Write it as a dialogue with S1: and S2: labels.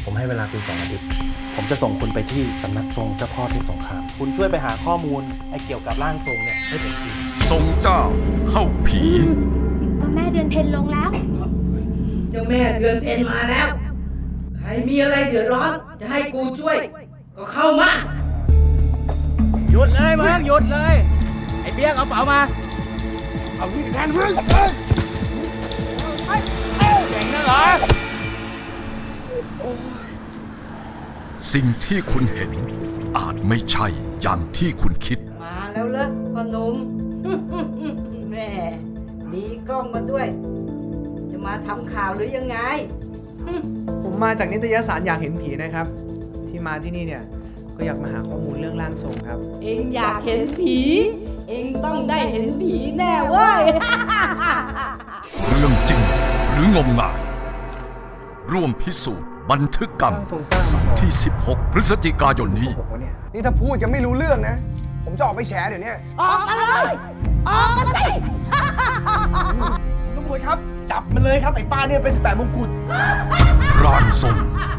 S1: ผมให้เวลาคุณ2 อาทิตย์ผมจะส่งคุณไปที่สำนักทรงเจ้าพ่อเทพสงครามคุณช่วยไปหาข้อมูลเกี่ยวกับร่างทรงเนี่ยให้ผมที
S2: ทรงเจ้าเข้าผี
S3: เจ้าแม่เดือนเพ็ญลงแล้ว
S4: เจ้าแม่เดือนเพ็ญมาแล้วใครมีอะไรเดือดร้อนจะให้กูช่วยก็เข้ามา
S1: หยุดเลยมึงหยุดเลยไอ้เบี้ยเอาเป๋ามาเอาที่แทนมึงเก่งนะเหรอ
S2: สิ่งที่คุณเห็นอาจไม่ใช่อย่างที่คุณคิด
S4: มาแล้วเหรอพ่อหนุ่ม แม่มีกล้องมาด้วยจะมาทำข่าวหรือยังไง
S5: ผมมาจากนิตยสารอยากเห็นผีนะครับที่มาที่นี่เนี่ยก็อยากมาหาข้อมูลเรื่องร่างทรงครับ
S4: เองอยากเห็นผีเองต้องได้เห็นผีแน่เว้ย
S2: เรื่องจริงหรืองมงายร่วมพิสูจน์บันทึกกรรมสัปดาห์ที่16 พฤศจิกายนนี้
S6: นี่ถ้าพูดยังไม่รู้เรื่องนะผมจะออกไปแฉเดี๋ยวนี้
S4: ออกมาเลยออกมาสิ
S6: ตำรวจครับจับมันเลยครับไอ้ป้าเนี่ยไป18 มงกุฎ
S2: ร่างทรง